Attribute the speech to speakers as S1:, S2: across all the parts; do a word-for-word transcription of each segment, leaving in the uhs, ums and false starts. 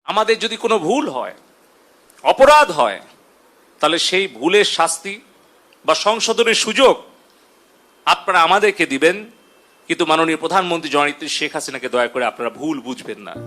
S1: আমাদের যদি কোনো ভুল হয়, অপরাধ হয়, তাহলে সেই ভুলের শাস্তি বা সংশোধনের সুযোগ আপনারা আমাদেরকে দিবেন, কিন্তু মাননীয় প্রধানমন্ত্রী জননেত্রী শেখ হাসিনাকে দয়া করে আপনারা ভুল বুঝবেন না।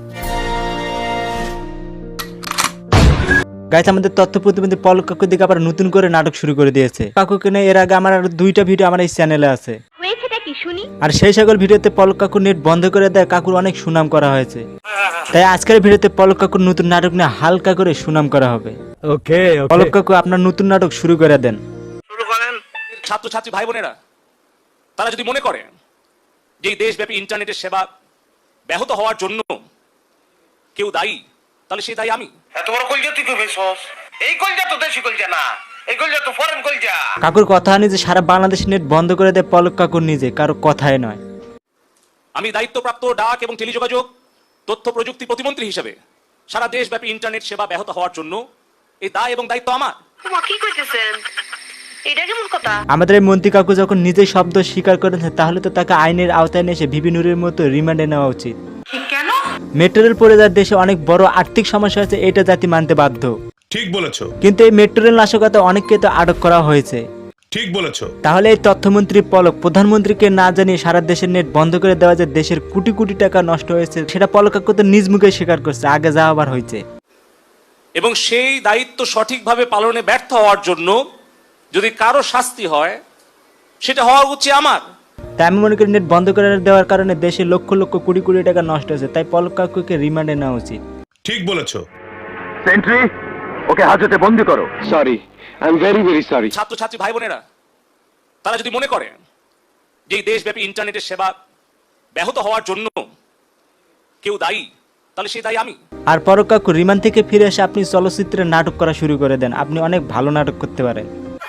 S2: গাইস, আমাদের তথ্য প্রতিবন্ধী পলক কাকুর দিকে আবার নতুন করে নাটক শুরু করে দিয়েছে। কাকুকে নিয়ে এর আগে আমার আর দুইটা ভিডিও আমার এই চ্যানেলে আছে, আর সেই সকল ভিডিওতে পলক কাকুর নেট বন্ধ করে দেয় কাকুর অনেক সুনাম করা হয়েছে। তাই আজকের ভিডিওতে পলক কাকুর নতুন নাটক নিয়ে হালকা করে সুনাম করা হবে। ওকে, পলক কাকু আপনার নতুন নাটক শুরু করে দেন।
S1: শুরু করেন। ছাত্রছাত্রী ভাই বোনেরা, তারা যদি মনে করে যে এই দেশব্যাপী ইন্টারনেটের সেবা ব্যাহত হওয়ার জন্য কেউ দায়ী, তাহলে সেই দায়ী আমি।
S3: এত বড় কলজা তুই কই পেছস? এই কলজা তো দেশি কলজা না, এই কলজা তো ফরেন কলজা।
S2: কাকুর কথা হয়নি যে সারা বাংলাদেশ নেট বন্ধ করে দেয় পলক কাকুর নিজে, কারো কথাই নয়।
S1: আমি দায়িত্বপ্রাপ্ত ডাক এবং টেলিযোগাযোগ তথ্য প্রযুক্তি প্রতিমন্ত্রী হিসেবে সারা দেশব্যাপী ইন্টারনেট সেবা ব্যাহত হওয়ার জন্য এই দায় এবং দায়িত্ব আমার।
S4: কি কইতেছেন? এটা কেমন কথা?
S2: আমাদের এই মন্ত্রী কাকু যখন নিজেই শব্দ স্বীকার করেছে, তাহলে তো তাকে আইনের আওতায় নিয়ে এসে ভিবি নুরের মতো রিমান্ডে নেওয়া উচিত।
S4: কেন?
S2: মেট্রো রেল পড়ে যাওয়ার দেশে অনেক বড় আর্থিক সমস্যা হয়েছে, এটা জাতি মানতে বাধ্য।
S5: ঠিক বলেছো।
S2: কিন্তু এই মেট্রো রেল নাশকতা অনেককে তো আটক করা হয়েছে।
S5: ঠিক বলেছো।
S2: তাহলে এই তথ্যমন্ত্রী পলক প্রধানমন্ত্রীকে না জানিয়ে সারা দেশের নেট বন্ধ করে দেওয়া, যে দেশের কোটি কোটি টাকা নষ্ট হয়েছে, সেটা পলক কাকু তো নিজ মুখে স্বীকার করছে, আগে যা আবার হয়েছে।
S1: এবং সেই দায়িত্ব সঠিকভাবে পালনে ব্যর্থ হওয়ার জন্য যদি কারো শাস্তি হয়, সেটা হওয়া উচিত আমার।
S2: তাই আমি মনে করি নেট বন্ধ করে দেওয়ার কারণে দেশে লক্ষ লক্ষ কোটি কোটি টাকা নষ্ট হয়েছে, তাই পলক কাকুকে রিমান্ডে নেওয়া উচিত।
S5: ঠিক বলেছো।
S6: সেন্ট্রি, ওকে হাজতে বন্দি করো। Sorry, I am very very sorry.
S1: ছাত্রছাত্রী ভাই বোনেরা, তারা যদি মনে করে যে এই দেশব্যাপী ইন্টারনেটের সেবা ব্যাহত হওয়ার জন্য কেউ দায়ী, তাহলে সেই দায়ী আমি।
S2: আর পলক কাকু রিমান্ড থেকে ফিরে এসে আপনি চলচ্চিত্রে নাটক করা শুরু করে দেন, আপনি অনেক ভালো নাটক করতে পারেন।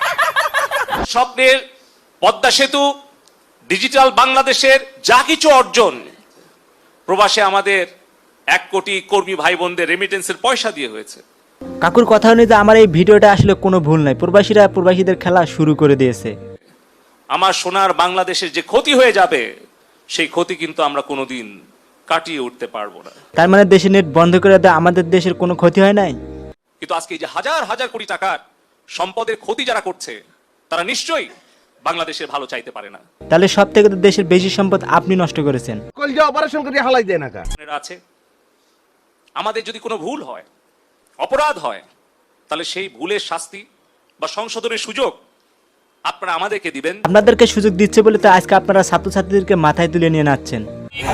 S1: স্বপ্নের পদ্মা সেতু, ডিজিটাল বাংলাদেশের যা কিছু অর্জন, প্রবাসে আমাদের এক কোটি কর্মী ভাই বোনদের রেমিটেন্সের পয়সা দিয়ে হয়েছে।
S2: কাকুর কথা অনুযায়ী আমার এই ভিডিওটা আসলে কোনো ভুল নাই, প্রবাসীরা প্রবাসীদের খেলা শুরু করে দিয়েছে।
S1: আমার সোনার বাংলাদেশের যে ক্ষতি হয়ে যাবে, সেই ক্ষতি কিন্তু আমরা কোনোদিন কাটিয়ে উঠতে পারবো না।
S2: তার মানে দেশে নেট বন্ধ করে দেয় আমাদের দেশের কোনো ক্ষতি হয় নাই?
S1: কিন্তু আজকে এই যে হাজার হাজার কোটি টাকার সম্পদের ক্ষতি যারা করছে, তারা নিশ্চয়ই বাংলাদেশের ভালো চাইতে পারে না।
S2: তাহলে সব থেকে তো দেশের বেশি সম্পদ আপনি নষ্ট করেছেন।
S6: কলজা অপারেশন করে হালাই দেয় না কা
S1: আছে। আমাদের যদি কোনো ভুল হয়, অপরাধ হয়, তাহলে সেই ভুলের শাস্তি বা সংশোধনের সুযোগ আপনারা আমাদেরকে দিবেন।
S2: আপনাদেরকে সুযোগ দিচ্ছে বলে তো আজকে আপনারা ছাত্রছাত্রীদেরকে মাথায় তুলে নিয়ে নাচছেন।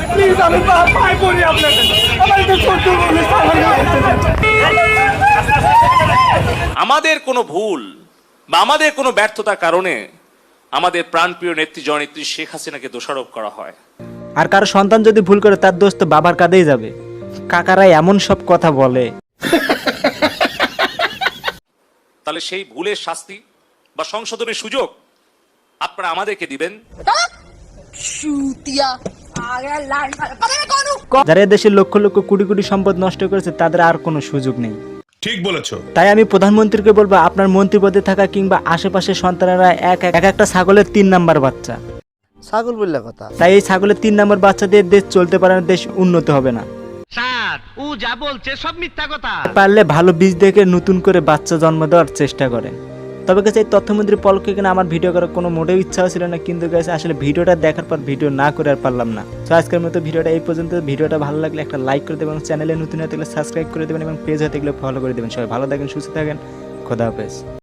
S1: আমাদের কোনো ভুল বা আমাদের কোনো ব্যর্থতার কারণে আমাদের প্রাণপ্রিয় নেত্রী জননেত্রী শেখ হাসিনাকে দোষারোপ করা হয়।
S2: আর কারো সন্তান যদি ভুল করে, তার দোষ তো বাবার কাঁধেই যাবে। কাকারা এমন সব কথা বলে,
S1: তাহলে সেই ভুলের শাস্তি বা সংশোধনের সুযোগ আপনারা আমাদেরকে দিবেন।
S2: যারা দেশের লক্ষ লক্ষ কোটি কোটি সম্পদ নষ্ট করেছে, তাদের আর কোনো সুযোগ নেই।
S5: ঠিক বলেছো।
S2: তাই আমি প্রধানমন্ত্রীকে বলবো, আপনার মন্ত্রী পদে থাকা কিংবা আশেপাশের সন্তানেরা এক এক একটা ছাগলের তিন নাম্বার বাচ্চা।
S7: ছাগল বললে কথা।
S2: তাই এই ছাগলের তিন নাম্বার বাচ্চা দিয়ে দেশ চলতে পারে না, দেশ উন্নত হবে না।
S7: স্যার, ও যা বলছে সব মিথ্যা কথা।
S2: পারলে ভালো বীজ দেখে নতুন করে বাচ্চা জন্ম দেওয়ার চেষ্টা করেন। তবে গেছে এই তথ্যমন্ত্রী পলককে কিনা আমার ভিডিও করার কোনো মোটেও ইচ্ছা ছিল না, কিন্তু গেছে আসলে ভিডিওটা দেখার পর ভিডিও না করে আর পারলাম না। তো আজকের মতো ভিডিওটা এই পর্যন্ত। ভিডিওটা ভালো লাগলে একটা লাইক করে দেবেন, চ্যানেলে নতুন হয়ে থাকলে সাবস্ক্রাইব করে দেবেন এবং পেজ হয়ে থাকলে ফলো করে দেবেন। সবাই ভালো থাকেন, সুস্থ থাকেন, খোদা হাফেজ।